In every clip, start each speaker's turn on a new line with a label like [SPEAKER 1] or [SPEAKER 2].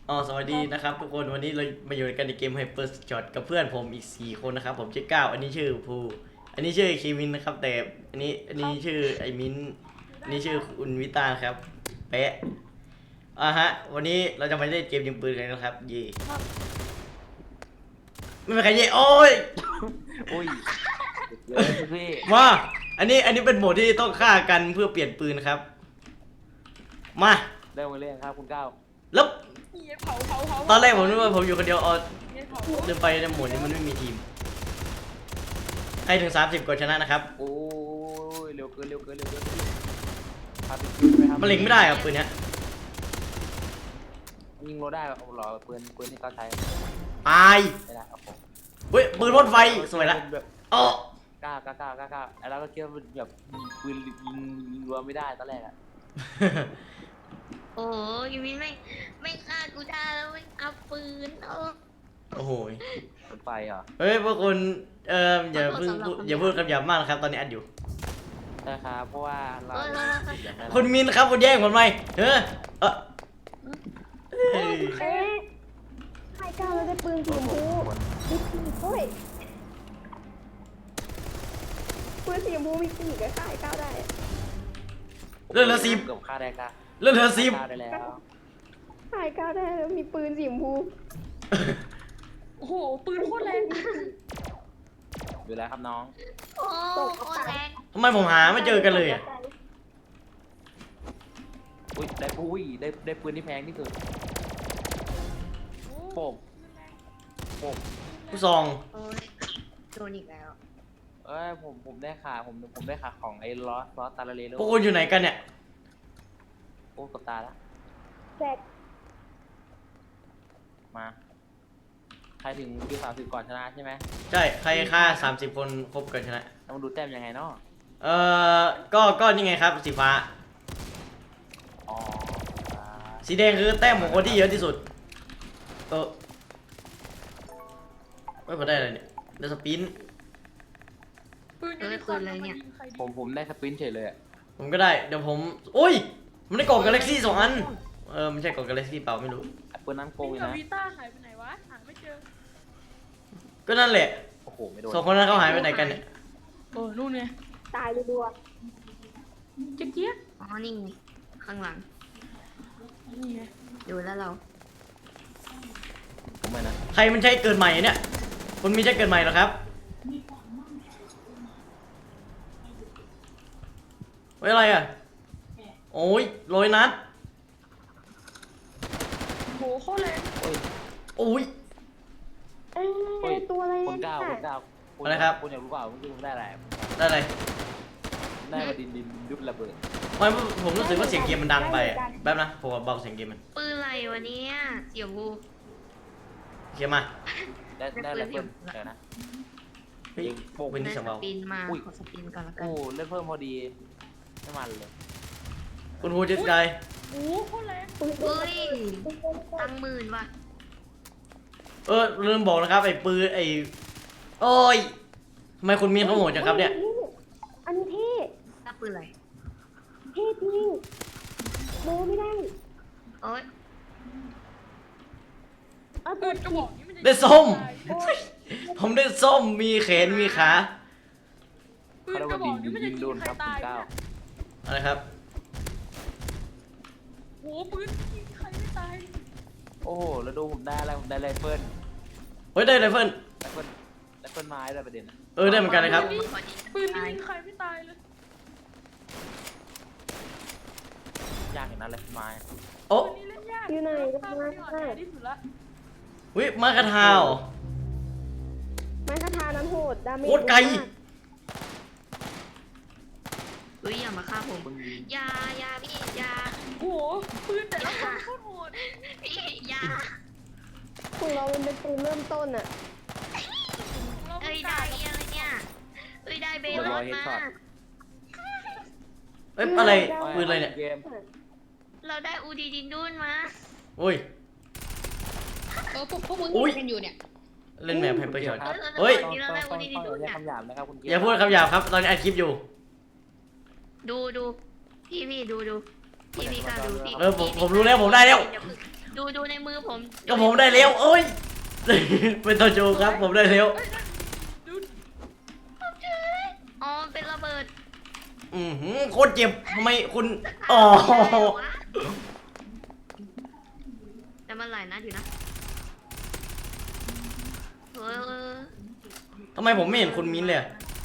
[SPEAKER 1] อ๋อสวัสดีนะครับทุกคนวันนี้เรามาอยู่กันในเกม Hyper Shot กับเพื่อนผมอีก4คนนะครับผมชื่อก้าวอันนี้ชื่อภูอันนี้ชื่อคีมินนะครับแต่อันนี้ชื่อไอมินอันนี้ชื่อคุณวิตาครับเป๊ะฮะวันนี้เราจะมาเล่นเกมยิงปืนกันนะครับเย่ไม่เป็นใครเย่โอ้ย
[SPEAKER 2] อุ้ยเลยพี่
[SPEAKER 1] มาอันนี้เป็นโหมดที่ต้องฆ่ากันเพื่อเปลี่ยนปืนครับมา
[SPEAKER 2] เริ่มมาเล่นครับคุณก้าว
[SPEAKER 1] แล้ว
[SPEAKER 3] เผา
[SPEAKER 1] ตอนแรกผมนึกว่าผมอยู่คนเดียว
[SPEAKER 3] เผา
[SPEAKER 1] ลืมไปในโหมดนี้มันไม่มีทีมใครถึง30กดชนะนะครับ
[SPEAKER 2] โอ้ยเร็วเกินพาไปคิวไหมครับ
[SPEAKER 1] มันเล็งไม่ได้ครับปืนเนี้ย
[SPEAKER 2] ยิงเราได้เอาหรอปืนที่เขาใช้
[SPEAKER 1] ตาย
[SPEAKER 2] ไม่ได้ครับผม
[SPEAKER 1] เฮ้ยปืนพ่นไฟสวยละ
[SPEAKER 2] แบบ
[SPEAKER 1] อ๋อ
[SPEAKER 2] ก้าวแล้วก็คิดว่าแบบปืนยิงรัวไม่ได้ตอนแรกอะ
[SPEAKER 4] โอ้ยวินไม่ฆ่ากูได้แล้วไม่เอาปืน
[SPEAKER 1] โอ้โห
[SPEAKER 2] ปืนไฟเหรอ
[SPEAKER 1] เฮ้ยพวกคุณอย่าเพิ่งอย่าพูดคำหยาบมากนะครับตอนนี้อัดอยู่
[SPEAKER 2] ใช่ครับเพราะว่าเราอย่างนั้น
[SPEAKER 1] คุณมินครับคุณแย่งผมไหมเฮ้ยเฮ้ย
[SPEAKER 3] เอ๊ะ
[SPEAKER 5] ไข่ก้าวเราได้ปืนสีชมพูมีปีกด้วยปืนสีชมพูมีปีกก็ไข่ก้าวได้
[SPEAKER 1] เรื่องละสิบ
[SPEAKER 2] เกือบฆ่าได้ก้า
[SPEAKER 1] เรื่องละสิบ
[SPEAKER 2] ฆ่าได้แล้ว
[SPEAKER 5] ไข่ก้าวได้แล้วมีปืนสีชมพู
[SPEAKER 3] โอ้โหปืนโคตรแรง
[SPEAKER 2] อยู่แล้วครับน้อง
[SPEAKER 4] โอ้โคตรแรง
[SPEAKER 1] ทำไมผมหาไม่เจอกันเลยอ่ะ
[SPEAKER 2] อุ้ยได้ปืนที่แพงที่สุดโป่ง
[SPEAKER 1] ผู้ซอง
[SPEAKER 4] โอ้ยโดนอีกแล้ว
[SPEAKER 2] เอ้ยผมได้ขาผมได้ขาของไอ้ลอสตาลาเรโล
[SPEAKER 1] พวกคุณอยู่ไหนกันเนี่ย
[SPEAKER 2] โอ้กับตาละ
[SPEAKER 5] แจก
[SPEAKER 2] มาใครถึงคิว30ก่อนชนะใช่ไหม
[SPEAKER 1] ใช่ใครฆ่า30คนครบกันชนะ
[SPEAKER 2] แล้วมาดูแต้มยังไงเนาะ
[SPEAKER 1] ก็นี่ไงครับสีฟ้า
[SPEAKER 2] อ๋อ
[SPEAKER 1] สีแดงคือแต้มของคนที่เยอะที่สุดไม่พอได้อะไรเนี่ยได้สปิน
[SPEAKER 3] ปืนยูนิคอร์นมันยิงใครดี
[SPEAKER 2] ผมได้สปรินต์เฉยเลยอะ
[SPEAKER 1] ผมก็ได้เดี๋ยวผมโอ้ยมันได้กล่องกาแล็กซี่2 อันไม่ใช่กล่องกาแล็กซี่เปล่าไม่รู้
[SPEAKER 2] ไอ้ปืนนั้นโกง
[SPEAKER 3] นี่
[SPEAKER 2] เลย
[SPEAKER 3] กับ
[SPEAKER 2] นะ
[SPEAKER 3] วีต้าหายไปไหนวะหาไม่เจอ
[SPEAKER 1] ก็นั่นแหละ
[SPEAKER 2] โอ้โหไม่โดน
[SPEAKER 1] 2 คนนั้นเขาหายไปไหนกันเนี่ย
[SPEAKER 3] นู่นไง
[SPEAKER 5] ตายรัว
[SPEAKER 3] เจี๊ยบ
[SPEAKER 4] อ๋อนี่ไงข้างหลัง
[SPEAKER 3] นี่ไง
[SPEAKER 4] ดูแล้วเรา
[SPEAKER 2] ผมไม่นะ
[SPEAKER 1] ใครมันใช้เกิดใหม่เนี่ยคุณมีใช้เกิดใหม่เหรอครับไว้อะไรอ่ะโอ้ย100 นัด
[SPEAKER 3] โหโคตรแรง
[SPEAKER 2] โอ้ย
[SPEAKER 1] โอ้ย
[SPEAKER 5] เอ้ยตัวอะไร
[SPEAKER 2] คน
[SPEAKER 5] เนี่ย
[SPEAKER 2] ก้าวคุณ
[SPEAKER 1] อะไรครับ
[SPEAKER 2] คุณอยากรู้เปล่าเมื่อกี้ผมได้อะไร
[SPEAKER 1] ได้เลย
[SPEAKER 2] ได้มาดินดุดระเบิด
[SPEAKER 1] ไม่ผมรู้สึกว่าเสียงเกมมันดังไปอะแป๊บนะผมเบาเสียงเกมมัน
[SPEAKER 4] ปืนอะไรวะเนี่ยเสียบู
[SPEAKER 1] เขียนมา
[SPEAKER 2] ได้อะไรเพิ่มเดี๋ยวนะ
[SPEAKER 1] เฮ้ยเป็นที่
[SPEAKER 4] ได้
[SPEAKER 1] เสียง
[SPEAKER 4] ส
[SPEAKER 1] เบา
[SPEAKER 4] ปินมา
[SPEAKER 2] อุ้ย
[SPEAKER 4] ขอสปินก่อนละกั
[SPEAKER 2] โอ้
[SPEAKER 4] น
[SPEAKER 2] เล่นเพิ่มพอดีไม่มันเลย
[SPEAKER 1] คุณพูดจะใจ
[SPEAKER 3] โอ้โคตรแรง
[SPEAKER 5] ปืน
[SPEAKER 4] เฮ้ยตังหมื่นว่ะ
[SPEAKER 1] ลืมบอกนะครับไอ้ปืนไอ้โอ้ยทำไมคุณมีเขาโหดจังครับเนี่ย
[SPEAKER 5] อันนี้เท่
[SPEAKER 4] ตังปืนอะไร
[SPEAKER 5] เท่จริงโมไม่ได้
[SPEAKER 4] โอ้ย
[SPEAKER 5] เอา
[SPEAKER 3] ปื
[SPEAKER 5] ปื
[SPEAKER 3] น
[SPEAKER 5] น
[SPEAKER 3] กระบอกนี้มันจะ
[SPEAKER 1] ได้ส้ม
[SPEAKER 3] โอ้ย
[SPEAKER 1] ผมได้ส้มมีแขนมีขา
[SPEAKER 3] ปืนกระบอกนี้มันจะยิงใครตาย
[SPEAKER 2] ก้าว
[SPEAKER 1] อะไรครับ
[SPEAKER 3] โหปืนยิงใครไม่ตาย
[SPEAKER 2] โอ้โหแล้วดูผมได้อะไรผมได้ไรเฟิล
[SPEAKER 1] เฮ้ยได้ไรเฟิล
[SPEAKER 2] ไรเฟิลไม้ด้วยประเด็นนะ
[SPEAKER 1] ได้เหมือนกันเลยครับ
[SPEAKER 3] ปืนยิงใครไม่ตายเลย
[SPEAKER 2] ยากอย่างนั้นไรเฟิลไม้
[SPEAKER 1] โอ้
[SPEAKER 3] ปืนนี้เล่นยาก
[SPEAKER 5] อยู่ไหน
[SPEAKER 3] ข้ามไปก่อนแน่ที่สุดละ
[SPEAKER 1] วิมากระทาว
[SPEAKER 5] ไม้คาทานั้นโหดดาเมจ
[SPEAKER 1] โคตรไกล
[SPEAKER 4] เฮ้ยอย่ามาฆ่าผม
[SPEAKER 2] มึงยิง
[SPEAKER 4] อย่าพี่อย่า
[SPEAKER 3] โหปืนแต่ละคนโคตรโหด
[SPEAKER 4] พี่อย่า
[SPEAKER 5] ของเรามันเป็นปืนเริ่มต้นอะ
[SPEAKER 3] เรา
[SPEAKER 4] เอ้
[SPEAKER 3] ไม่
[SPEAKER 4] ย
[SPEAKER 3] ตา
[SPEAKER 4] ได้
[SPEAKER 3] ย
[SPEAKER 4] อะไรเนี่ยเอ้ยได้เบลลอนมา
[SPEAKER 1] อะไรปืนอะไรเนี่ย
[SPEAKER 2] เกม
[SPEAKER 4] เราได้อูดีดินดุนมา
[SPEAKER 1] โอ้ย
[SPEAKER 6] พวกมึง
[SPEAKER 1] อุ๊ย
[SPEAKER 6] เห็นกันอยู่เนี่ย
[SPEAKER 1] เล่นแมพให้ประโยชน์
[SPEAKER 2] ครับ
[SPEAKER 1] เฮ้ย
[SPEAKER 2] ต้องอย่าคำหยาบนะครับคุณเกม
[SPEAKER 1] อย่าพูดคำหยาบครับ ตอนนี้อัดคลิปอยู่
[SPEAKER 4] ดูพี่ดูพี่กล้าดูพี่
[SPEAKER 1] ผมรู้แล้วผมได้แล้ว
[SPEAKER 4] ดูดูในมือผม
[SPEAKER 1] ก็ผมได้แล้วโอ้ย เป็นตัวโจครับผมได้แล้ว
[SPEAKER 4] อ๋อเป็นระเบิด
[SPEAKER 1] โคตรเจ็บทำไมคุณอ๋อ
[SPEAKER 4] แต่มันหลายนัดอยู่นะเออ
[SPEAKER 1] ทำไมผมไม่เห็นคุณมิ้นเลยอะ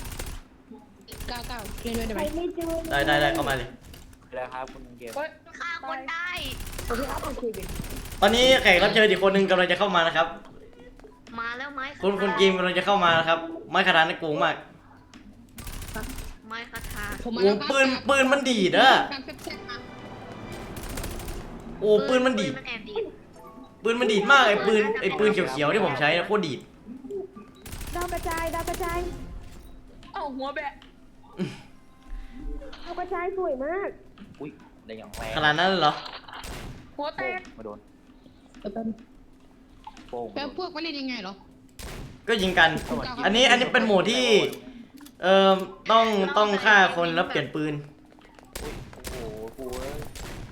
[SPEAKER 3] 99เล่นด้วยได้ไห
[SPEAKER 5] ใค
[SPEAKER 3] ม
[SPEAKER 5] รไม่เจอ
[SPEAKER 1] ได้เข้ามาเลย
[SPEAKER 2] แล้วครับคุณเกม
[SPEAKER 3] เฮ้ย
[SPEAKER 4] ฆ่าคนได้
[SPEAKER 5] โอเคครับโอเคเ
[SPEAKER 1] ตอนนี้แขกรับเชิญอีกคนหนึ่งกำลังจะเข้ามานะครับ
[SPEAKER 4] มาแล้วไม้
[SPEAKER 1] คุณกิมกำลังจะเข้ามานะครับไม้คาถาในกรุงมาก
[SPEAKER 4] ไม้คาถา
[SPEAKER 3] ผมมา
[SPEAKER 1] โอ้
[SPEAKER 3] แล้ว
[SPEAKER 1] ปืนมันดีดอะ
[SPEAKER 3] การแซ่บๆนะ
[SPEAKER 1] โอ้ปืนมันดีด
[SPEAKER 4] มันแอบดีด
[SPEAKER 1] ปืนมันดีดมากไอ้ปืนเขียวๆที่ผมใช้นะโคตรดีด
[SPEAKER 5] ดาวกระจายดาวกระจาย
[SPEAKER 3] เอ้าหัวแบะ
[SPEAKER 5] ดาวกระจายสวยมาก
[SPEAKER 2] อุ้ยได้อย่างแรง
[SPEAKER 1] ขนาดนั้นเลยเหรอ
[SPEAKER 3] หัวแต
[SPEAKER 2] โป้ง
[SPEAKER 3] ก
[SPEAKER 2] มาโดน
[SPEAKER 3] แป๊บ
[SPEAKER 2] โป้ง
[SPEAKER 3] แป๊บพวกมันเล่นยังไงเหรอ
[SPEAKER 1] ก็ยิงกัน อันนี้เป็นโหมดที่ต้องฆ่าคนแล้วเปลี่ยนปืน
[SPEAKER 2] โอ้โหกูเอ้ย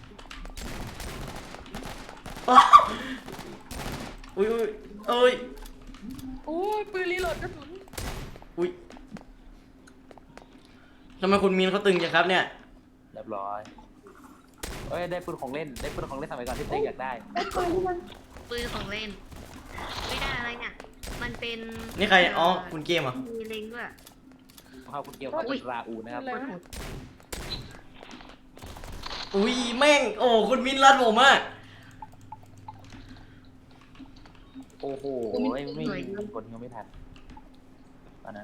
[SPEAKER 1] อุ้ยเอ้ย
[SPEAKER 3] โอ้ยปืนรีโหลดกระสุน
[SPEAKER 1] อุ้ยทำไมคุณมีนเขาตึงจังครับเนี่ย
[SPEAKER 2] เรียบร้อยเอ้ยได้ปืนของเล่นสมัยก่อนที่เต้อยากได้
[SPEAKER 5] ได้ปืนที่มัน
[SPEAKER 4] ปืนของเล่น ไม่ได้อะไรเนี่ยมันเป็น
[SPEAKER 1] นี่ใครอ๋อคุณเกมเหรอ
[SPEAKER 4] มีเล็งด้วย
[SPEAKER 2] ครับคุณเกมเขาเป็นราอูนะครับ
[SPEAKER 3] อะไรวะ
[SPEAKER 1] อุ้ยแม่งโอ้คุณมินรัดผมอะ
[SPEAKER 2] โอ้โหไม่กดยังไม่ทันตอนนั้น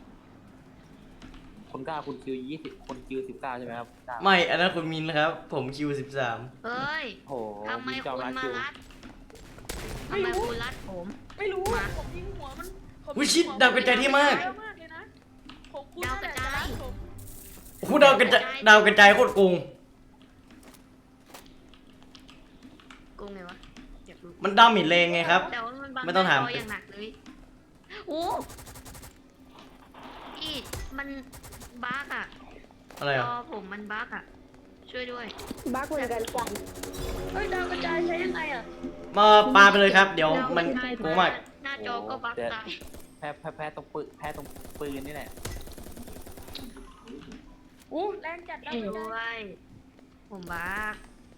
[SPEAKER 2] คุณ9คุณคิว20คุณคิว19ใช่ไหมครับ9
[SPEAKER 1] ไม่อันนั้นคุณมินนะครับ ผมคิว13
[SPEAKER 4] เฮ้ย
[SPEAKER 2] โอ้โห
[SPEAKER 4] ทำไม
[SPEAKER 2] จอ
[SPEAKER 4] คุณ
[SPEAKER 2] รัด
[SPEAKER 4] มา
[SPEAKER 2] คิว
[SPEAKER 4] รัดทำไมคุณรัดผม
[SPEAKER 3] ไม่รู้ผมยิงหัวมันผม
[SPEAKER 1] อุ้ยชิดดาวกระจายที่มาก
[SPEAKER 3] เยอะมากเลยนะผมคุณ
[SPEAKER 4] ดาวกระจาย
[SPEAKER 3] ผม
[SPEAKER 1] โอ้โหดาวกระจายโคตรโกง
[SPEAKER 4] กูไงวะอยากรู้
[SPEAKER 1] มันดาเมจแรงไงครับ
[SPEAKER 4] แต่ว่ามันบัง
[SPEAKER 1] ไม่ต้องถาม
[SPEAKER 4] หน้จอย่างหนักเลยโอ้พี่มันบั๊กอะ
[SPEAKER 1] อะไร
[SPEAKER 4] จ
[SPEAKER 1] อ่ะ
[SPEAKER 4] อผมมันบั๊กอะช่วยด้วย
[SPEAKER 5] บ้าเหมือนกันจัง
[SPEAKER 3] เฮ้ยดาวกระจายใช้ยังไงอ่ะ
[SPEAKER 1] มาปาไปเลยครับ เดี๋ยวมันโกงมาก
[SPEAKER 4] หน้าจอก็บั๊กตาย
[SPEAKER 2] แพ้ตรงปืนนี่แหละ
[SPEAKER 3] โอ้แรงจัดดาวกระจาย
[SPEAKER 4] ด้วยผมบั๊ก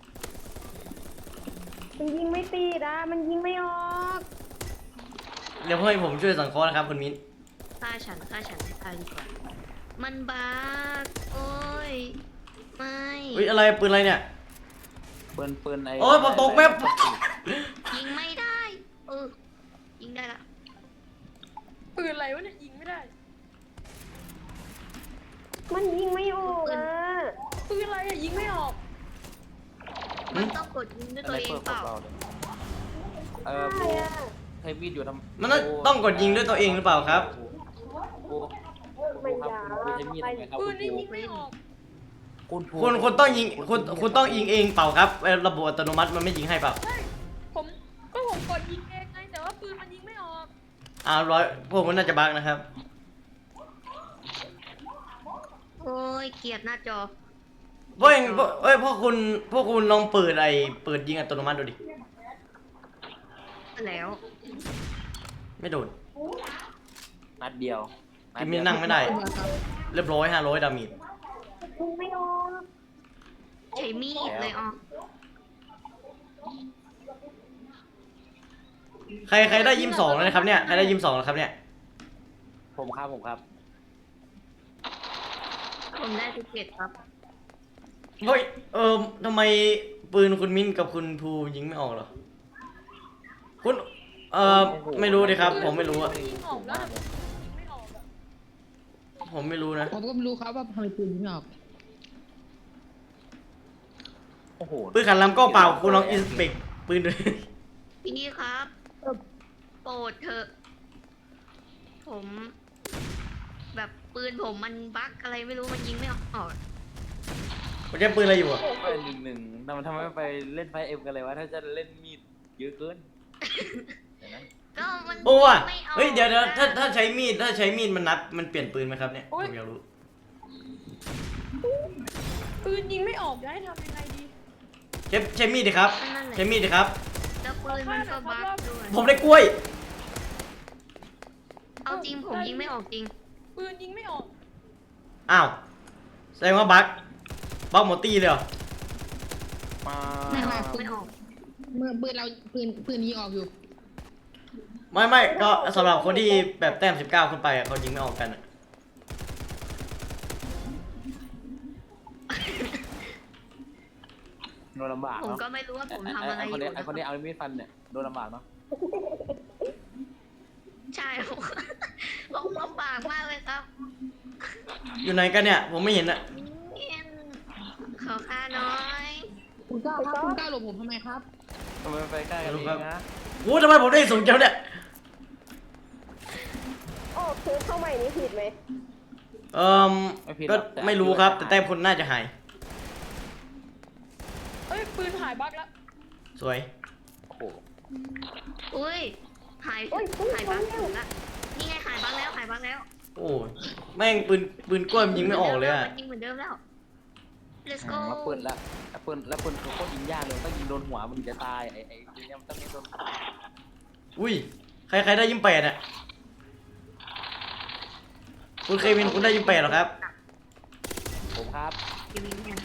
[SPEAKER 5] มันยิงไม่ตีดอะมันยิงไม่ออก
[SPEAKER 1] เดี๋ยวให้ผมช่วยสังเคราะห์นะครับคุณมิ้น
[SPEAKER 4] ฆ่าฉันให้ตายดีกว่ามันบั๊กโอ้ยไม่
[SPEAKER 1] อุ้ยอะไรปืนอะไรเนี่ย
[SPEAKER 2] ปืนไอ้
[SPEAKER 1] โอ้ยผมตกแม่
[SPEAKER 4] ยิงไม่ได้ยิงได้ละ
[SPEAKER 3] ปืนอะไรวะเนี่ยยิงไม่ได้
[SPEAKER 5] มันยิงไม่ออกอะ
[SPEAKER 3] ปืนอะไรอ่ะยิงไม่ออก
[SPEAKER 4] มันต้องกดยิงด้วยตัวเองเปล่า
[SPEAKER 5] ใช่อะ
[SPEAKER 2] ใช้มีดอยู่ทำ
[SPEAKER 1] มันต้องกดยิงด้วยตัวเองหรือเปล่าครับ
[SPEAKER 5] ไม่อยาก
[SPEAKER 2] คุณใช้มีดทำไงครับ
[SPEAKER 3] ปืนนี่ยิงไม่ออก
[SPEAKER 1] คุณต้องยิงคุณต้องยิงเองเปล่าครับระบบอัตโนมัติมันไม่ยิงให้เปล่า
[SPEAKER 3] ใช่ผมกดยิงเองไงแต่ว่าปืนมันยิงไม่ออก
[SPEAKER 1] ร้อยพวกมันน่าจะบั๊กนะครับ
[SPEAKER 4] โอ้ยเกลียดหน้าจอ
[SPEAKER 1] พวกคุณลองเปิดยิงอัตโนมัติดูดิ
[SPEAKER 4] แล้ว
[SPEAKER 1] ไม่โดน
[SPEAKER 2] นัดเดียว
[SPEAKER 1] กิมมินนั่งไม่ได้ เรียบร้อย500ดาเมจ
[SPEAKER 5] ยิงไม่ออก
[SPEAKER 4] ใช้มีดเลยอ๋อ
[SPEAKER 1] ใครได้22แล้วนะครับเนี่ยใครได้22แล้วครับเนี่ย
[SPEAKER 2] ผมครับ
[SPEAKER 4] ผมได้17ครับ
[SPEAKER 1] เฮ้ยทำไมปืนคุณมิ้นกับคุณภูยิงไม่ออกเหรอคุณไม่รู้ดิครับ ผมไม่รู้อะ
[SPEAKER 3] ยิงออกแล้วแต่ยิงไม่ออกอะ
[SPEAKER 1] ผมไม่รู้นะ
[SPEAKER 3] ผมก็ไม่รู้ครับว่าทำไมปืนยิงไม่ออก
[SPEAKER 2] โอ้โห
[SPEAKER 1] ปืนขันลำก็เปล่าคุณลองอินสเปกปืนดู
[SPEAKER 4] พี่ครับโปรดเถอะผม แบบปืนผมมันบั๊กอะไรไม่รู้มันยิงไม่ออก
[SPEAKER 1] ผมใช้ปืนอะไรอยู่อะ
[SPEAKER 2] ไป1-1ทำไมไม่ไปเล่นไฟเอ็มกันเลยวะถ้าจะเล่นมีดเยอะเกินเห็นไหม
[SPEAKER 4] ก็มัน
[SPEAKER 1] โอ้ว่ะ
[SPEAKER 4] ไม่ออก
[SPEAKER 1] เฮ้ยเดี๋ยวถ้าใช้มีดมันนับมันเปลี่ยนปืนไหมครับเนี่ยผมอยากรู้
[SPEAKER 3] ปืนยิงไม่ออกจะให้ทำยังไงดี
[SPEAKER 1] ใช้มีดดิครับ
[SPEAKER 4] นั่นแหละ
[SPEAKER 1] ใช้มีดดิครับ
[SPEAKER 4] ปืนมันก็บั๊กด้วย
[SPEAKER 1] ผมได้กล้วย
[SPEAKER 4] เอาจริงผมยิงไม่ออกจริง
[SPEAKER 3] ปืนยิงไม่ออก
[SPEAKER 1] อ้าวแสดงว่าบั๊กหมดตีเลยเหรอ
[SPEAKER 2] มา
[SPEAKER 4] ไม่ออกไม่ออก
[SPEAKER 6] เมื่อปืนเราปืนยิงออกอยู่
[SPEAKER 1] ไม่ก็สำหรับคนที่แบบแต้ม19ขึ้นไปอะเขายิงไม่ออกกันอะ
[SPEAKER 2] โดนลำบาก
[SPEAKER 4] ผม
[SPEAKER 2] เนาะ
[SPEAKER 4] ก็ไม่รู้ว่าผมทำอะไร
[SPEAKER 2] ไอ้
[SPEAKER 4] อ
[SPEAKER 2] คน
[SPEAKER 4] ยู่
[SPEAKER 2] นี้ไอ้คนนี้เอามีดฟันเนี่ยโดนลำบากเนาะ
[SPEAKER 4] ใช่ผมผมลำบากมากเลยครับ
[SPEAKER 1] อยู่ไหนกันเนี่ยผมไม่เห็นอะ
[SPEAKER 4] ขอค่าน้อย
[SPEAKER 6] คุณก้าวครับคุณก้าวหลบผมทำไมครับ
[SPEAKER 2] ทำไมไปใกล้กันเองนะ
[SPEAKER 1] โอ้ทำไมผมได้สูงจังเนี่ย
[SPEAKER 5] โอ้คือเข้าใหม่นี้ผิดไหม
[SPEAKER 1] ก็ไม่รู้ครับ แต่แต้มคุณน่าจะหาย
[SPEAKER 3] เอ้ยปืนหายบั๊กแล้ว
[SPEAKER 1] สวย
[SPEAKER 2] โอ้โห
[SPEAKER 4] อุ้ยหายหายบังถึงละนี่ไงหายบังแล้วหายบังแล้ว
[SPEAKER 1] โอ้ยแม่งปืนกล้วยมันยิงไม่ออกเลยอะ
[SPEAKER 4] มันยิงเหมือนเดิมแล้ว let's go
[SPEAKER 2] แล้วปืนคือโคตรยิงยากเลยต้องยิงโดนหัวมันถึงจะตายไอ้ปืนเนี่ยมันต้องยิงโดนหัว
[SPEAKER 1] อุ้ยใครได้ยิงแปดอะคุณเควินคุณได้ยิงแปดเหรอครับ
[SPEAKER 2] ผมครับ
[SPEAKER 4] อยู่นี่เนี่ย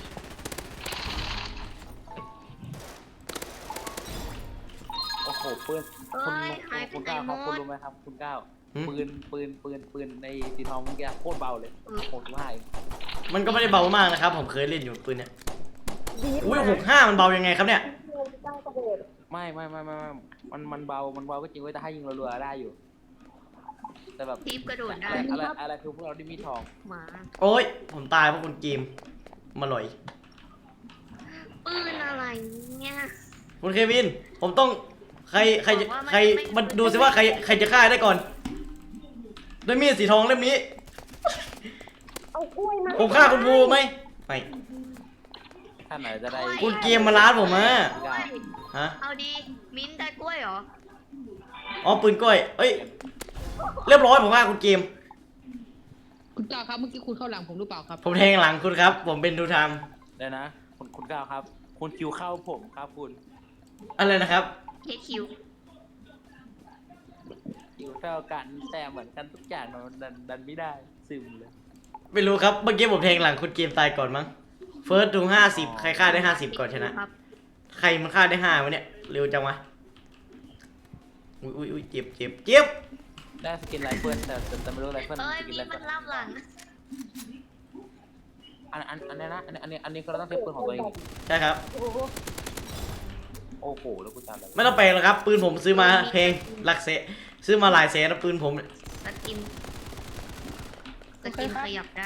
[SPEAKER 2] โอ้โหปืน
[SPEAKER 4] เอ้ยหายไป
[SPEAKER 2] คุณ
[SPEAKER 4] ไหน
[SPEAKER 2] ก้าว
[SPEAKER 4] หม
[SPEAKER 2] ครับคุณ
[SPEAKER 4] ด
[SPEAKER 2] รู้ไหมครับคุณก้าว
[SPEAKER 1] หืม
[SPEAKER 2] ปืนในสีทองเมื่อกี้โคตรเบาเลย65เอง
[SPEAKER 1] มันก็ไม่ได้เบามากนะครับ ผมเคยเล่นอยู่ปืนเนี่ย
[SPEAKER 5] ดี
[SPEAKER 1] อุ้ย65มันเบายังไงครับเนี่ย
[SPEAKER 5] ตั้งกระโดด
[SPEAKER 2] ไม่มันเบาก็จริงเว้ยแต่ให้ยิงรัวๆได้อยู่ แต่แบบ
[SPEAKER 4] ทีบกระโดดได้
[SPEAKER 2] อะไรคือพวกเราที่มีทอง
[SPEAKER 4] หมา
[SPEAKER 1] โอ้ยผมตายเพราะคุณเกมมาหลอย
[SPEAKER 4] ปืนอะไรเนี่ย
[SPEAKER 1] คุณเควิน ผมต้องใครมันดูสิว่าใครจะฆ่าได้ก่อนด้วยมีดสีทองเล่มนี้
[SPEAKER 5] เอากล้วยมา
[SPEAKER 1] ผมฆ่าคุณภูไหมไม่
[SPEAKER 2] ท่านไหนจะได้
[SPEAKER 1] คุณเกมมาล้านผมอะ
[SPEAKER 4] กล้วย
[SPEAKER 1] ฮะ
[SPEAKER 4] เอาดีมิ้นได้กล้วยเหรอ
[SPEAKER 1] อ๋อปืนกล้วยเอ้ยเรียบร้อยผมฆ่าคุณเกม
[SPEAKER 6] คุณก้าวครับเมื่อกี้คุณเข้าหลังผมหรือเปล่าครับ
[SPEAKER 1] ผมแทงหลังคุณครับ ผมเป็นดูทาม
[SPEAKER 2] เดี๋ยวนะคุณก้าวครับ คุณคิวเข้าผมครับคุณ
[SPEAKER 1] อะไรนะครับ
[SPEAKER 4] เฮคิว
[SPEAKER 2] คิวเท่ากันแต่เหมือนกันทุกอย่างมันดันไม่ได้ซึมเลย
[SPEAKER 1] ไม่รู้ครับเมื่อกี้ผมแทงหลังคุณเกมตายก่อนมั้งเฟิร์สดู50ใครฆ่าได้50ก่อนชนะ
[SPEAKER 4] ครับ
[SPEAKER 1] ใครมันฆ่าได้5วะเนี่ยเร็วจังวะอุ้ยเจ็บ
[SPEAKER 2] ได้สกินไรเฟิลแต่ไม่รู้ไรเฟิล
[SPEAKER 4] เอ้ย
[SPEAKER 2] สกิน
[SPEAKER 4] มี
[SPEAKER 2] ไร
[SPEAKER 4] มั
[SPEAKER 2] เฟิล
[SPEAKER 4] นล่ำหลัง
[SPEAKER 2] อันนี้นะอันนี้คือเราต้องเทปืนของตัวเอง
[SPEAKER 1] ใช่ครับ
[SPEAKER 5] โอ้โห
[SPEAKER 2] โอ้โหแล้วกูจำอะไร
[SPEAKER 1] ไม่ต้องแปลงหรอกครับ ปืนผมซื้อมาแพงหลักแสนซื้อมาหลายแสนนะปืนผมเนี่ย
[SPEAKER 4] สกินขยับได้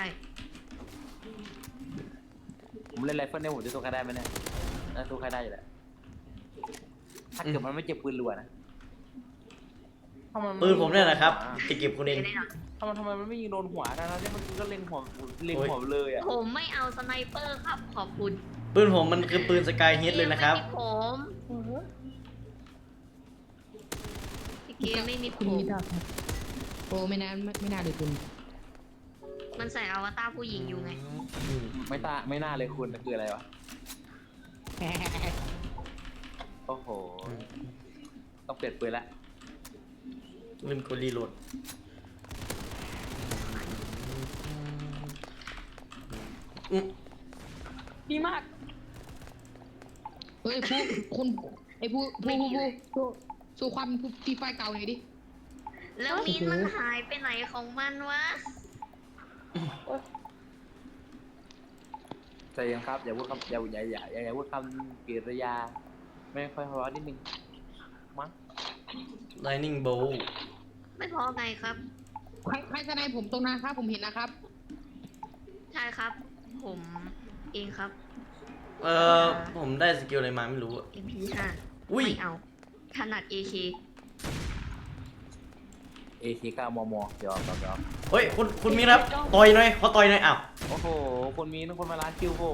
[SPEAKER 2] ผมเล่นไรเฟิลเนี่ยผมจะสู้ใครได้ไหมเนี่ยน่าสู้ใครได้อยู่แหละถ้าเกิดมันไม่เจ็บปืนรัวนะถ้า
[SPEAKER 1] ปืนผมเนี่ยนะครับจะเก็บคุณเอง
[SPEAKER 2] ทำไมมันไม่ยิงโดนหัวนะเนี่ยมันก็เล็งหัวเลยอ่ะ
[SPEAKER 4] ผมไม่เอาสไนเปอร์ครับ ขอบคุณ
[SPEAKER 1] ปืนผมมันคือปืนสกายเฮดเลยนะครับ
[SPEAKER 4] พี่เกมไม่มีผ
[SPEAKER 6] คุณ
[SPEAKER 4] ม
[SPEAKER 6] มิดาครับโอ้ไม่น่าเลยคุณ
[SPEAKER 4] มันใส่อวตารผู้หญิงอยู่ไง
[SPEAKER 2] ไม่น่าเลยคุณคืออะไรวะโอ้โหต้องเปลี่ยนปืนละ
[SPEAKER 1] ลืมกดรีโหลด
[SPEAKER 3] ดีมาก
[SPEAKER 6] เฮ้ยคุณไอ้สู้ความฟีไฟเก่าหน่อยดิ
[SPEAKER 4] แล้วมีนมันหายไปไหนของมันวะ
[SPEAKER 2] ใจเย็นครับอย่าพูดคำอย่าพูดคำกริยาไม่ค่อยเพราะนิดนึงมั้ง
[SPEAKER 1] Lightning Bolt
[SPEAKER 4] ไม่พอไงครับ
[SPEAKER 6] ใครสไนผมตรงนั้นครับผมเห็นนะครับ
[SPEAKER 4] ใช่ครับ ผมเองครับ
[SPEAKER 1] ผมได้สกิลอะไรมาไม่รู้อะ
[SPEAKER 4] MP5
[SPEAKER 1] อุ้ย
[SPEAKER 4] ไม่เอาถนัด AK
[SPEAKER 2] AK9 มมเดี๋ยว
[SPEAKER 1] เฮ้ยคุณมีครับต่อยหน่อยเขาต่อยหน่อยอ้าว
[SPEAKER 2] โอ้โหคนมีคนมาล้านคิวผม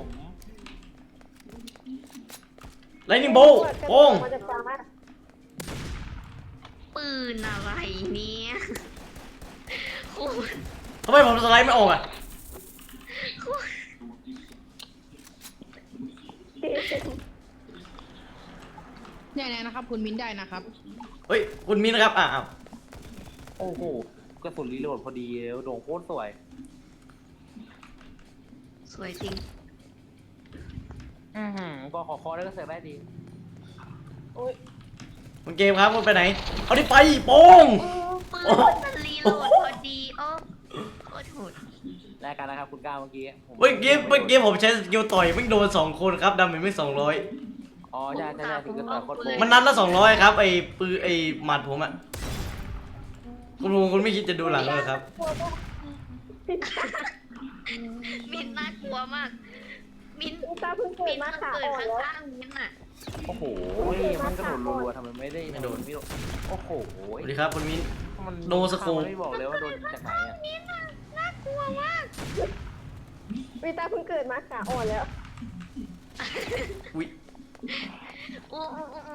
[SPEAKER 1] Lightning Bolt โป้ง
[SPEAKER 5] มาจากฟ้า
[SPEAKER 4] ปืนอะไรเนี่ยคุณ
[SPEAKER 1] ทำไมผมสไลด์ไม่ออกอ่ะ
[SPEAKER 6] ในได้นะครับ คุณมิ้นได้นะครับ
[SPEAKER 1] เฮ้ยคุณมิ้นนะครับอ้าว
[SPEAKER 2] โอ้โหกระสุนรีโหลดพอดีแล้วโด่งโคตรสวย
[SPEAKER 4] สวยจริง
[SPEAKER 2] ก็ขอได้ก็เสร็จได้ดี
[SPEAKER 1] คุณเกมครับคุณไปไหนเอาดิไปโป้ง
[SPEAKER 4] ปืนมันรีโหลดพอดีโอ้โคตรโหด
[SPEAKER 2] แลกกันนะครับคุณก้าวเมื่อกี้
[SPEAKER 1] เมื่อกี้ผมใช้สกิลต่อยไม่โดน2 คนครับดาเมจไม่200
[SPEAKER 2] อ๋อใช่ถึงกระต่ายโคตรโกง
[SPEAKER 1] มันนัดละ200ครับไอ้ปืนไอ้หมัดผมอะคุณไม่คิดจะดูหลังเลยครับ
[SPEAKER 4] มินน่ากลัวมาก มิน
[SPEAKER 5] พี่ตาเพิ่งเกิ
[SPEAKER 4] มิ
[SPEAKER 5] ด
[SPEAKER 4] น
[SPEAKER 5] มา
[SPEAKER 4] มัน
[SPEAKER 5] ขา
[SPEAKER 4] เกิด
[SPEAKER 5] อ่อนแล้ว
[SPEAKER 4] ข้างๆมินอ่ะ
[SPEAKER 2] โอ้โหมันกระโดดรัวๆทำไมไม่ได้
[SPEAKER 1] ไม่โดน
[SPEAKER 2] โอ้โห
[SPEAKER 1] สวัสดีครับคุณมิ้น
[SPEAKER 2] มัน
[SPEAKER 1] โดนสโคป
[SPEAKER 2] ไม่บอกเลยว่าโดนจากไหนอ่ะ
[SPEAKER 4] มินอ่ะน่ากลัวมาก
[SPEAKER 5] พี่ตาเพิ่งเกิดมาขาอ่อนแล้ว
[SPEAKER 1] อุ๊ย
[SPEAKER 4] โอ้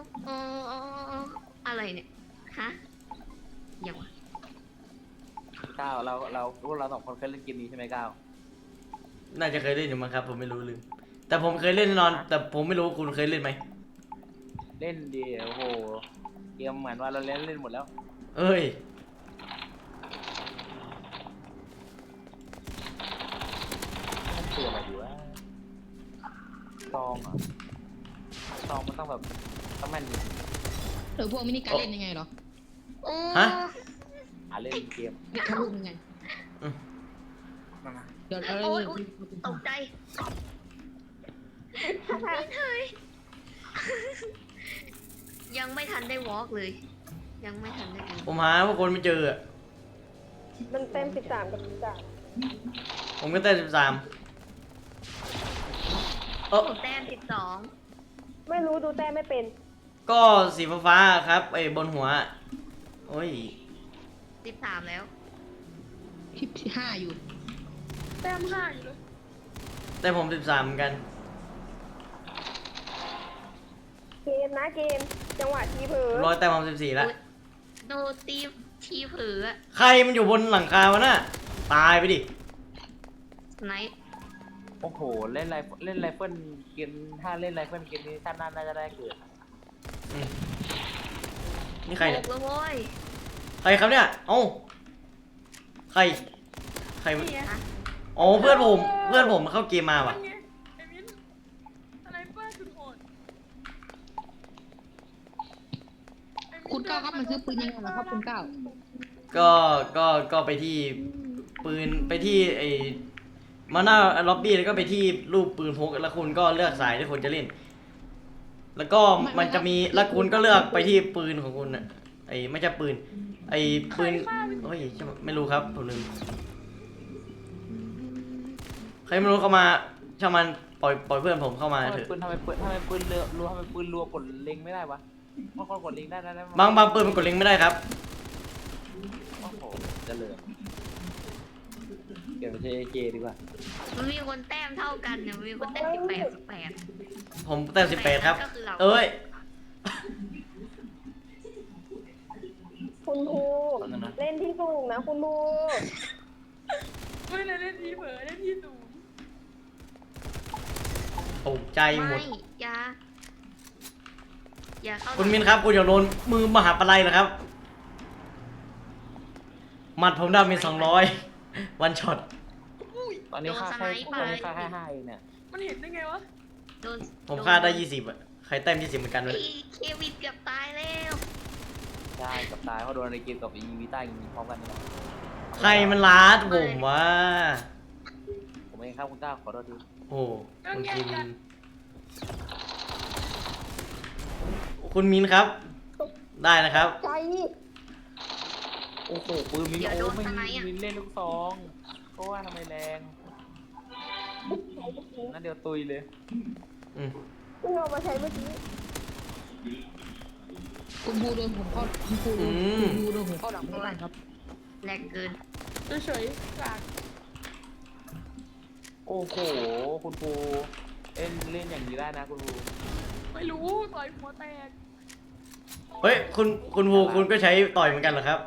[SPEAKER 4] อะไรเนี่ยฮะอย่างวะ
[SPEAKER 2] ก้าวพวกเรา2 คนเคยเล่นเกมนี้ใช่ไหมก้าว
[SPEAKER 1] น่าจะเคยเล่นอยู่มั้งครับผมไม่รู้ลืมแต่ผมเคยเล่นแน่นอน แต่ผมไม่รู้คุณเคยเล่นไหม
[SPEAKER 2] เล่นดีโอ้โหเกมเหมือนว่าเราเล่นหมดแล้ว
[SPEAKER 1] เอ้ย
[SPEAKER 2] มันคืออะไรอยู่วะซองอ่ะซองมันต้องแบบต้องแม่น
[SPEAKER 6] หรือพวกมินิการเล่นยังไงเหรอ
[SPEAKER 4] โอ้
[SPEAKER 1] ฮะ
[SPEAKER 2] เล่นเกม
[SPEAKER 6] เด็กทะลุยังไง เดี๋ยวเรา
[SPEAKER 4] โอ้ยตกใจมินเฮ้ยยังไม่ทันได้วอล์กเลย ยังไม่ทันได้ดู
[SPEAKER 1] ผมหาพวกคนไม่เจออะ
[SPEAKER 5] มันเต็ม13กับ13
[SPEAKER 1] ผมก็เต้น13
[SPEAKER 4] ผมแต้ม
[SPEAKER 5] ไม่รู้ดูแต้มไม่เป็น
[SPEAKER 1] ก็สีฟ้าๆครับไอ้บนหัวโอ้ย
[SPEAKER 4] 13แล้ว
[SPEAKER 6] ที่5อยู่
[SPEAKER 3] แต้ม5อยู่เลย
[SPEAKER 1] แต่ผม13เหมือนกัน
[SPEAKER 5] เกมนะเกม จังหวะทีเผลอ
[SPEAKER 1] ร้อยแต่ผม14แล้ว
[SPEAKER 4] โดนตีทีเผืออะ
[SPEAKER 1] ใครมันอยู่บนหลังคาวะน่ะตายไปดิ
[SPEAKER 4] ไนท์
[SPEAKER 2] โอ้โหเล่นไรเฟิลเกมถ้าเล่นไรเฟิลเกมนี้ท่านน่าจะได้เกิด
[SPEAKER 1] อืมนี่ใครเนี่ย
[SPEAKER 4] แล้วโว้ย
[SPEAKER 1] ใครครับเนี่ยเอ้าใครมัน
[SPEAKER 3] นี่ไง
[SPEAKER 1] อ๋อเพื่อนผมเข้าเกมมาว่ะ
[SPEAKER 3] นั่นไงไอ้มิ้นอะไรเปิ้ลสุดโหดไอ้มิ้น
[SPEAKER 6] คุณก้าวครับมันซื้อปืนยังไงเหรอครับคุณก้าว
[SPEAKER 1] ก็ไปที่ปืนไปที่ไอ้มาหน้าล็อบบี้แล้วก็ไปที่รูปปืนพกแล้วคุณก็เลือกสายที่คุณจะเล่น แล้วก็มันจะมีแล้วคุณก็เลือกไปที่ปืนของคุณน่ะไอ้ไม่ใช่ปืน ไอ้ปืนโอ้ยไม่รู้ครับผมลืมใครไม่รู้เข้ามาช่างมันปล่อยเพื่อนผมเข้ามาเถอะ
[SPEAKER 2] ทำไมปืนเรือรัวทำไมปืนรัวกดเล็งไม่ได้วะบางคนกดเล็งได้
[SPEAKER 1] บางปืนมันกดลิงก์ไม่ได้ครับ
[SPEAKER 2] โอ้โหเจริญเก็บไปใช้เจดีกว่า
[SPEAKER 4] มันมีคนแต้มเท่ากันเนี่ยมันมีคนแต้ม18
[SPEAKER 1] ผมแต่18ครับ
[SPEAKER 4] ก็คือเรา
[SPEAKER 1] เอ้ย
[SPEAKER 5] คุณครูเล่นที่สูงนะคุณครู
[SPEAKER 3] ไม่เลยเล่นทีเผลอเล่นที่สูง
[SPEAKER 1] ตกใจหมด
[SPEAKER 4] ไม่อย่าเข้า
[SPEAKER 1] คุณมินครับคุณอย่าโดนมือมหาปลัยเหรอครับหมัดผมดาเมจ200วันช็อต
[SPEAKER 2] ตอนนี้ค่าแค่5เองเนี่ย
[SPEAKER 3] มันเห็นได้ไงวะ
[SPEAKER 4] โดน
[SPEAKER 1] ผมฆ่าได้20อะใครแต้ม20เหมือนกัน
[SPEAKER 4] ไอ้
[SPEAKER 1] เลย
[SPEAKER 4] เควินเกือบตายแล้ว
[SPEAKER 2] ใช่กับตายเพราะโดนในเกมกับอีวีต้ายิงพร้อมกันนี่แหละ
[SPEAKER 1] ใครมันลาดผมวะ
[SPEAKER 2] ผมเองครับคุณก้าวขอโทษที
[SPEAKER 1] โอ้คุณคิมคุณมินครับ ได้นะครับ
[SPEAKER 5] ใจ
[SPEAKER 2] โอ้โหปืนมินโอ้ไม่มินเล่นลูกซองก็ว่าทำไมแรงงั้นเดี๋ยวตุยเลย
[SPEAKER 1] อืม
[SPEAKER 5] เพิ่งเอามาใช้เมื่อกี้
[SPEAKER 6] คุณบูโดนผมเข้าคุณบูโดนผมเข้าหลังไม่ได้ครับ
[SPEAKER 4] แรงเกิน
[SPEAKER 3] เฉยๆกาก
[SPEAKER 2] โอ้โหคุณครูเล่นอย่างนี้ได้นะคุณครู
[SPEAKER 3] ไม่รู้ต่อยหัวแตก
[SPEAKER 1] เฮ้ยคุณวูคุณก็ใช้ต่อยเหมือนกันเหรอครับ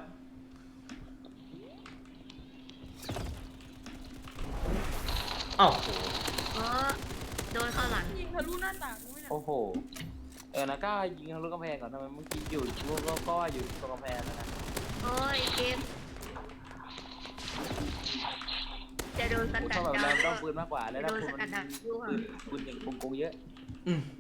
[SPEAKER 1] อ้าว
[SPEAKER 4] โดนเข้าหลัง
[SPEAKER 3] ยิงทะลุหน้าต่างกูไม่เนี่ย
[SPEAKER 2] โอ้โหนะก้ายิงทะลุกำแพงก่อนทำไมเมื่อกี้อยู่ก็อยู่ตรงกำแพงนะ
[SPEAKER 4] โอ้ยเกมจะโดนส
[SPEAKER 2] พูด
[SPEAKER 4] กัด
[SPEAKER 2] แบบ
[SPEAKER 4] ดา
[SPEAKER 2] นั้
[SPEAKER 4] วน
[SPEAKER 2] ต้องปืนมากกว่าแล้ว
[SPEAKER 4] โด
[SPEAKER 2] ถ้าน คุณ
[SPEAKER 4] สกัดดาวยั่ว
[SPEAKER 2] คุณอย่างโกงเยอะ
[SPEAKER 1] อืม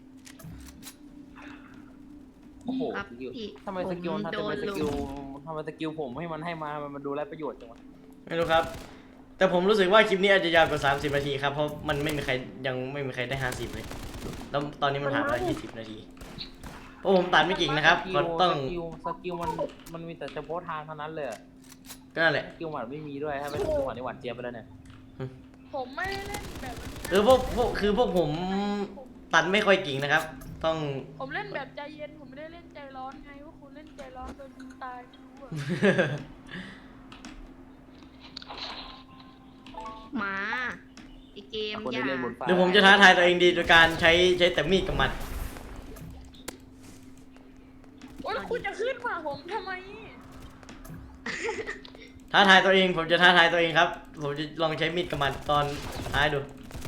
[SPEAKER 2] โอ้โห
[SPEAKER 4] ครับ
[SPEAKER 2] สกิล
[SPEAKER 4] พี่
[SPEAKER 2] ทำไมสกิลมันทำไมสกิลผมให้มันมามันดูไร้ประโยชน์จังวะ
[SPEAKER 1] ไม่รู้ครับ แต่ผมรู้สึกว่าคลิปนี้อาจจะยาวกว่า30 นาทีครับ เพราะมันไม่มีใครยังไม่มีใครได้50เลยแล้วตอนนี้มันผ่านมา20 นาทีเพราะผมตัดไม่กิ่งนะครับก็ต้อง
[SPEAKER 2] สกิลมันมีแต่เฉพาะทางเท่านั้นเลย
[SPEAKER 1] ก็นั่นแหละ
[SPEAKER 2] สกิลหมัดไม่มีด้วยถ้าเป็นสกิลหมัดในหวานเจี๊ยบไปแล้วเนี่ย
[SPEAKER 3] ผมไม่ได้เล่นแบบ
[SPEAKER 1] คือพวกผมตัดไม่ค่อยกิ่งนะครับ ต้อง
[SPEAKER 3] ผมเล่นแบบใจเย็นผมไม่ได้เล่นใจร้อนไงว่าคุณเล่นใจร้อนโดนยิงตายไม่รู้อะ
[SPEAKER 4] หมาไอเกม
[SPEAKER 2] คน
[SPEAKER 4] อย่า
[SPEAKER 2] ที่เล่นบนฟ้า
[SPEAKER 1] หรือผมจะท้าทายตัวเองดีโดยการใช้แต่มีดกับหมัด
[SPEAKER 3] โอ๊ยแล้วคุณจะขึ้นมาผมทำไม
[SPEAKER 1] ท้าทายตัวเองผมจะท้าทายตัวเองครับ ผมจะลองใช้มีดกับหมัดตอนท้ายดู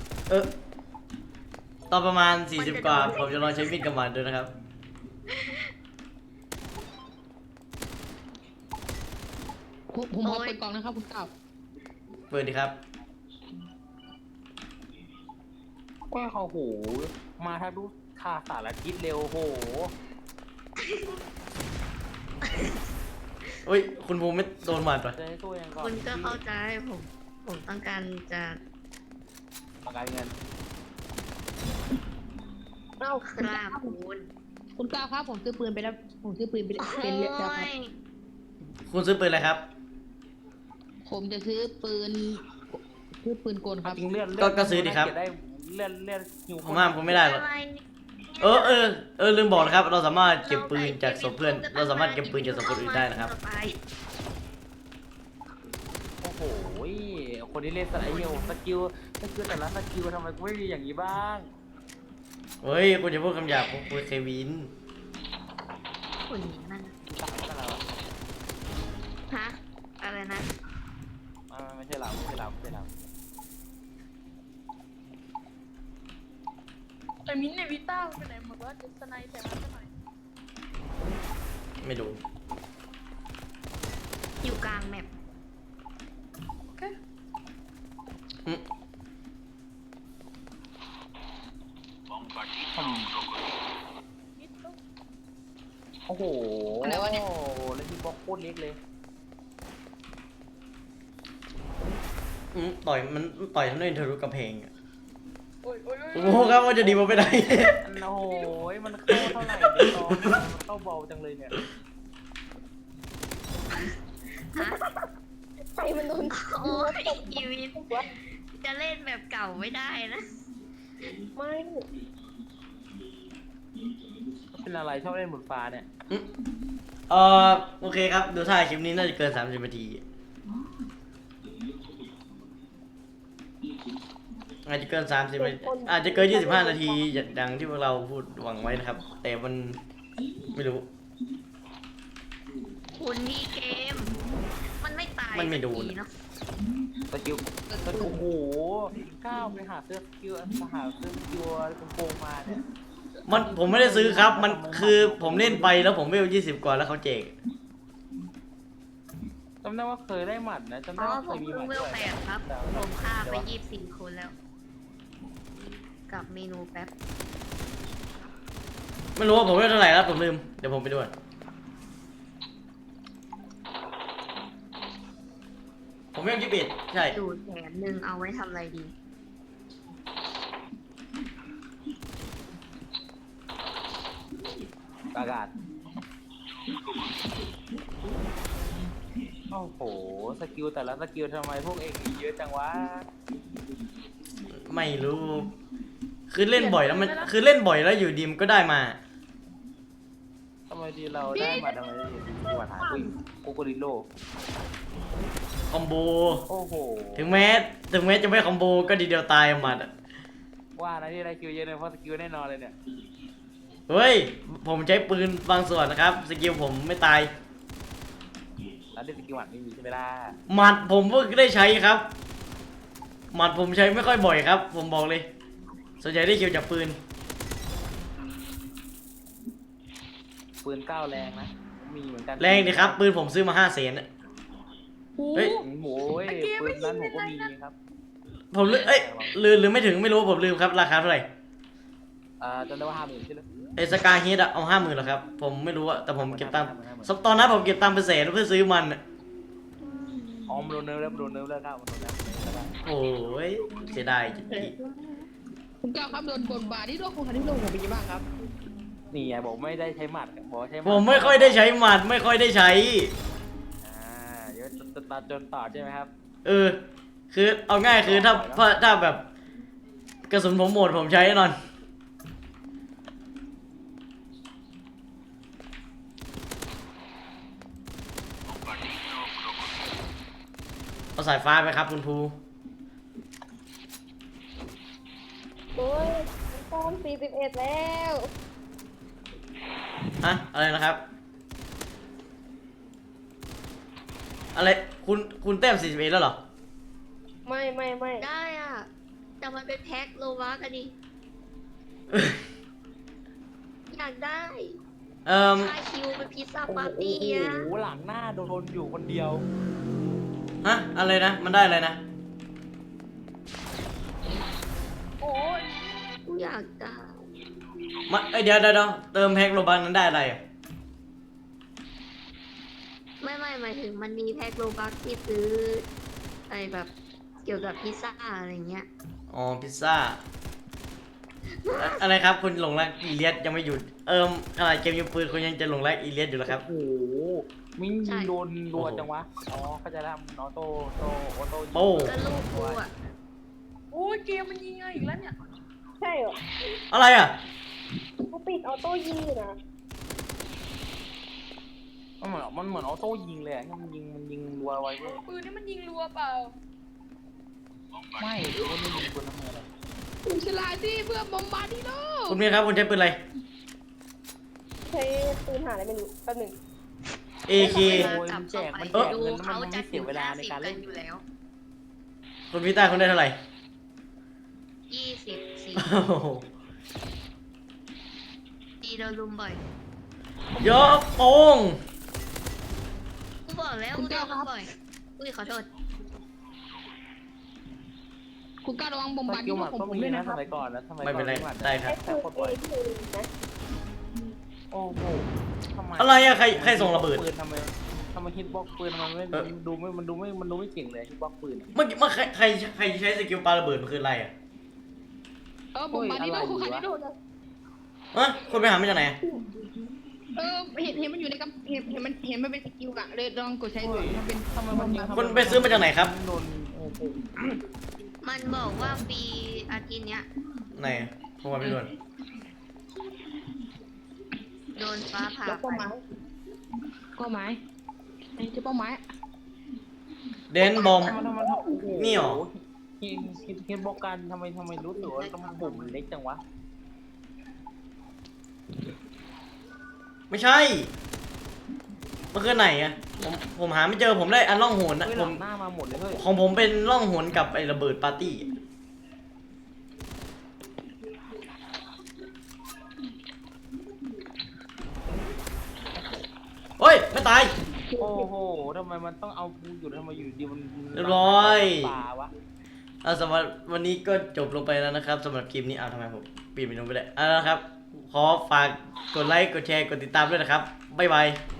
[SPEAKER 1] ตอนประมาณ40 กว่าผมจะลองใช้มีดกับหมัดดูนะครับ
[SPEAKER 6] ผมขอเปิดกล่องนะครับคุณเก่า
[SPEAKER 1] เปิดดีครับ
[SPEAKER 2] ก็เขาโหมาถ้าดูท่าสารทิศเร็วโห
[SPEAKER 1] เฮ้ยคุณภูมิไม่โดนหมัดปะ
[SPEAKER 2] จะให้สู้ยังก่อน
[SPEAKER 4] คุณก็เข้าใจผมต้องการจะ
[SPEAKER 2] ประกันเงิน
[SPEAKER 6] เอ้า
[SPEAKER 4] คราบคุณ
[SPEAKER 6] คุณเก่าครับผมซื้อปืนไปแล้วผมซื้อปืนไปเป็นเรียบร้อยครับ
[SPEAKER 1] คุณซื้อปืนอะไรครับ
[SPEAKER 6] ผมจะซื้อปืนกลครับ
[SPEAKER 2] จริงเลื่อน
[SPEAKER 1] ก็ซื้อดิครับ
[SPEAKER 2] ได้เลื่อนหิว
[SPEAKER 1] ผมห้ามคุณไม่ได้หรอก
[SPEAKER 4] อะไร
[SPEAKER 1] ลืมบอกนะครับ เราสามารถเก็บปืนจากศพเพื่อน เราสามารถเก็บปืนจากศพคนอื่นได้นะครับ
[SPEAKER 2] โอ้โหคนที่เล่นสไลด์เฮลสกิลแต่ละสกิลทำไมกูไม่มีอย่างนี้บ้าง
[SPEAKER 1] เฮ้ยคุณจะพูดคำหยาบคุณเควิน
[SPEAKER 4] คุณนี่มัน
[SPEAKER 2] ต่างกันแล้ว
[SPEAKER 4] ฮะอะไรนะ
[SPEAKER 2] ไม่ใช่เรา
[SPEAKER 3] ไอ้มิ้นท์ในวิต้ามันไปไหนหมดว่าจะสไนแต่มันจะหน่อย
[SPEAKER 1] ไม่รู้
[SPEAKER 4] อยู่กลางแมป
[SPEAKER 3] โอเค
[SPEAKER 1] อืม
[SPEAKER 3] นิดต้อง
[SPEAKER 2] โอ้โห
[SPEAKER 6] อะไรวะเนี่ย
[SPEAKER 2] แล้วที่บล็อกโคตรเล็กเลย
[SPEAKER 1] ต่อยทำให้ทะลุกระเพงอะ
[SPEAKER 3] โอ้ยโอ้ย
[SPEAKER 1] โอ้โหครับว่าจะดีมาไปไหน
[SPEAKER 2] โอ้โหมันเข้าเท่าไหร่เนี่ยตอนมันเข้าเบาจังเลยเนี่ย
[SPEAKER 4] ฮะ
[SPEAKER 5] ใครมันโดน
[SPEAKER 4] โอ้ยอีวินจะเล่นแบบเก่าไม่ได้นะ
[SPEAKER 5] ไม่
[SPEAKER 2] เป็นอะไรชอบเล่นบนฟ้าเนี่ย
[SPEAKER 1] โอเคครับ ดูท่าคลิปนี้น่าจะเกิน30 นาที อาจจะเกิน30 นาทีอาจจะเกิน25 นาทีอย่างที่พวกเราพูดหวังไว้นะครับ แต่มันไม่รู้
[SPEAKER 4] คุณที่เกม มันไม่ตาย
[SPEAKER 1] มันไม่โดน
[SPEAKER 4] สักทีเนาะ
[SPEAKER 2] สกิลโอ้โหก้าวไปหาเสื้อสกิลโกงมาเนี่ย
[SPEAKER 1] ผมไม่ได้ซื้อครับ มันคือผมเล่นไปแล้วผมเวล20 กว่าแล้วเขาแจก
[SPEAKER 2] จำได้ว่าเคยได้หมัดนะจำ
[SPEAKER 4] อ๋
[SPEAKER 2] ได้
[SPEAKER 4] อ
[SPEAKER 2] ว่า
[SPEAKER 4] ผ
[SPEAKER 2] เคย
[SPEAKER 4] ม
[SPEAKER 2] มีห
[SPEAKER 4] เพิ่
[SPEAKER 2] มั
[SPEAKER 4] ง
[SPEAKER 2] ด
[SPEAKER 4] เว
[SPEAKER 2] ด้
[SPEAKER 4] ล
[SPEAKER 2] วย
[SPEAKER 4] 8ครับ ผมฆ่าไป24 คนแล้ว กับเมนูแป๊บ
[SPEAKER 1] ไม่รู้ว่าผมเวลเท่าไหร่แล้วผมลืม เดี๋ยวผมไปดูก่อนผมเวล21ใช่
[SPEAKER 4] ดูแถมหนึ่งเอาไว้ทำอะไรดี
[SPEAKER 2] อากาศโอ้โหสกิลแต่ละสกิลทำไมพวกเองมีเยอะจังวะ
[SPEAKER 1] ไม่รู้ คือเล่นบ่อยแล้วอยู่ดีมนก็ได้มา
[SPEAKER 2] ทำไมดีเราได้หมัดทำไมได้หมัดหาโกโกริโล
[SPEAKER 1] คอมโบ
[SPEAKER 2] โอ้โห
[SPEAKER 1] ถึงแม้จะไม่คอมโบก็ดีเดียวตายหมัดอะ
[SPEAKER 2] ว่านะที่ได้คิวเยอะเลยเพราะสกิลแน่นอนเลยเนี่ย
[SPEAKER 1] เฮ้ย ผมใช้ปืนบางส่วนนะครับ สกิลผมไม่ตาย
[SPEAKER 2] แล้วได้สกิลหมัดไม่มีใช่ไหมล่ะ
[SPEAKER 1] หมัดผมเพิ่งได้ใช้ครับ หมัดผมใช้ไม่ค่อยบ่อยครับ ผมบอกเลย ส่วนใหญ่ได้คิวจากปืน
[SPEAKER 2] ปืนเก้าแรงนะมีเหมือนกัน
[SPEAKER 1] แรงดิครับ ปืนผมซื้อมา500,000อะ เฮ้ย
[SPEAKER 2] โอ้ยปืนนั้นผมก็มีครับ
[SPEAKER 1] ผมลืมลืมไม่ถึงไม่รู้ผมลืมครับราคาเท่าไหร่
[SPEAKER 2] จำได้ว่า50,000ใช่ไหม
[SPEAKER 1] ไอ้สกายเฮดอะเอา50,000เหรอครับ ผมไม่รู้อะแต่ผมเก็บตังค์ตอนนั้นผมเก็บตังค์เป็นแสนเพื่อซื้อมันอะ
[SPEAKER 2] อ๋อมันโดนเนิร์ฟแล้วมันโดนเนิร์ฟแล้วครับมันโดนเนิร์ฟแล้ว
[SPEAKER 1] โอ้ยเสียดายจริง
[SPEAKER 6] คุณก้าวครับโดนบทบาทที่โลกของคันที่โลกผมเป็นยังไงบ้างครับ
[SPEAKER 2] นี่ไงบอกไม่ได้ใช้หมัดบอกใช้ห
[SPEAKER 1] ผมไม่ค่อยได้ใช้หมัดไม่ค่อยได้ใช้
[SPEAKER 2] เดี๋ยวจะตัดจนต่อใช่ไหมครับ
[SPEAKER 1] คือเอาง่ายคือถ้าแบบกระสุนผมหมดผมใช้แน่นอนเอาสายฟ้าไปครับคุณภู
[SPEAKER 5] โอ้ยต้อม41แล้ว
[SPEAKER 1] อะไรนะครับ อะไรคุณแต้ม41แล้วเหรอ
[SPEAKER 5] ไม่
[SPEAKER 4] ได้อ่ะ แต่มันเป็นแพ็คโลวากันดิอยากได้ค่าคิวเป็นพิซซ่าปาร์ตี้อ่ะ
[SPEAKER 2] โอ้โหหลังหน้าโดนอยู่คนเดียว
[SPEAKER 1] อะไรนะมันได้อะไรนะ
[SPEAKER 3] โอ้ย
[SPEAKER 4] กูอยากได้
[SPEAKER 1] เดี๋ยวเติมแพ็คโลบันนั้นได้อะไรอ่ะ
[SPEAKER 4] ไม่หมายถึงมันมีแพ็คโลบักที่ซื้ออะไรแบบเกี่ยวกับพิซซ่าอะไรเงี้ย
[SPEAKER 1] อ๋อพิซซ่าอะไรครับคุณหลงรักอีเลียสยังไม่หยุดขนาดเกมยิงปืนคุณยังจะหลงรักอีเลียสอยู่แล้วครับ
[SPEAKER 2] โอ้โหมิ้งยิงโดนรัวจังวะอ๋อเขาจะทำออโต้ยิง
[SPEAKER 1] โอ้
[SPEAKER 4] ก็ลูกกูอ่ะ
[SPEAKER 3] โอ้ยเกมมันยิงไงอีกแล้วเนี่ย
[SPEAKER 5] ใช่เหรอ
[SPEAKER 1] อะไรอ่ะ
[SPEAKER 5] เขาปิดออโต้ยิงอยู่นะ
[SPEAKER 2] มันเหมือนออโต้ยิงเลยอะมันยิงรัวไว้เลย
[SPEAKER 3] ปืนนี่มันยิงรัวเปล่า
[SPEAKER 2] ไม่มันไม่ยิงคนทำไมอะไร
[SPEAKER 6] คุณฉลาดที่เพื่อบอมบาร์ดิโล
[SPEAKER 1] คุณเมียครับคุณใช้ปืนอะไร
[SPEAKER 5] ใช้ปืนหาอะไรไม่รู้แป๊บหนึง
[SPEAKER 1] AK
[SPEAKER 2] มันแจกมัน
[SPEAKER 4] ดู
[SPEAKER 2] เงิน
[SPEAKER 4] เขา
[SPEAKER 2] มัน
[SPEAKER 4] จะ
[SPEAKER 2] ไม่เสียเวลาในการเล่น
[SPEAKER 4] อยู่แล้ว
[SPEAKER 1] คุณพิต้าคุณได้เท่าไหร่
[SPEAKER 4] 24
[SPEAKER 1] โอ้โห
[SPEAKER 4] ดีโดนลุมบ่อย
[SPEAKER 1] ยกโป้ง
[SPEAKER 4] กูบอกแล้วกูโดนลุมบ่อยอุ้ยขอโทษ
[SPEAKER 6] คุณก้าวระวังบอม
[SPEAKER 2] ส
[SPEAKER 6] บาร์ดิ
[SPEAKER 2] กิล
[SPEAKER 6] โล
[SPEAKER 2] หมัด
[SPEAKER 6] ของ
[SPEAKER 2] ก็
[SPEAKER 6] ผม
[SPEAKER 2] มี
[SPEAKER 6] ด้วย
[SPEAKER 2] นะ
[SPEAKER 6] นะค
[SPEAKER 2] ส
[SPEAKER 6] รับ
[SPEAKER 2] มัยก่อนนะสมัยก่อน
[SPEAKER 1] ไม่เป็นไร
[SPEAKER 2] หมัด
[SPEAKER 1] ได้ครับ
[SPEAKER 5] ใช้ปืน A นะ
[SPEAKER 2] โอ้โหทำไม
[SPEAKER 1] อะไรอะใครส่งระเบิด
[SPEAKER 2] ปืนทำไมฮิตบ็อกปืนมันไม่ดูไม่เก่งเลยฮิตบ็อกปืน
[SPEAKER 1] เมื่อกี้ใครใช้สกิลปาระเบิดมันคืออะไรอ่ะ
[SPEAKER 6] บอมบาร์ดิโลของคันที่โลนะ
[SPEAKER 1] คุณไปหามาจากไหน
[SPEAKER 6] เห็นมันอยู่ในกำเห็นมันเป็นสกิลกะเลยลองกดใช้ดูมันเป็น
[SPEAKER 2] ทำไมมันยิง
[SPEAKER 1] คุณไปซื้อมาจากไหนครับ
[SPEAKER 2] โดนโอ้โห
[SPEAKER 4] มันบอกว่าฟรีอาทิตย์เนี้ย
[SPEAKER 1] ไหนผมว่าไม่โดน
[SPEAKER 4] โดนฟ้าผ่า
[SPEAKER 6] แล้ว
[SPEAKER 4] ไป
[SPEAKER 6] ก็ไม้ไอ้เจ้าเป้าไม้
[SPEAKER 1] เดนบอม
[SPEAKER 2] ทำไมโอ้โห
[SPEAKER 1] นี่หรอ
[SPEAKER 2] ฮิตบ็อกกันทำไมรู้สึกว่าต้องปุ่มมันเล็กจังวะ
[SPEAKER 1] ไม่ใช่มันคือไหนอ่ะผมหาไม่เจอผมได้อันล่องหนนะ
[SPEAKER 2] เฮ้ย
[SPEAKER 1] ผ
[SPEAKER 2] หลั
[SPEAKER 1] ม
[SPEAKER 2] งหน้ามาหมดเลยเฮ้ย
[SPEAKER 1] ของผมเป็นล่องหนกับไอ้ระเบิดปาร์ตี้เฮ้ยไม่ตาย
[SPEAKER 2] โอ้โหทำไมมันต้องเอากูอยู่ทำไมอยู่ดีมัน
[SPEAKER 1] เรียบร้อย
[SPEAKER 2] ป่าวะ
[SPEAKER 1] สำหรับวันนี้ก็จบลงไปแล้วนะครับสำหรับคลิปนี้ทำไมผมปิดเมนูไปได้นะครับ ขอฝากกดไลค์กดแชร์กดติดตามด้วยนะครับบ๊ายบาย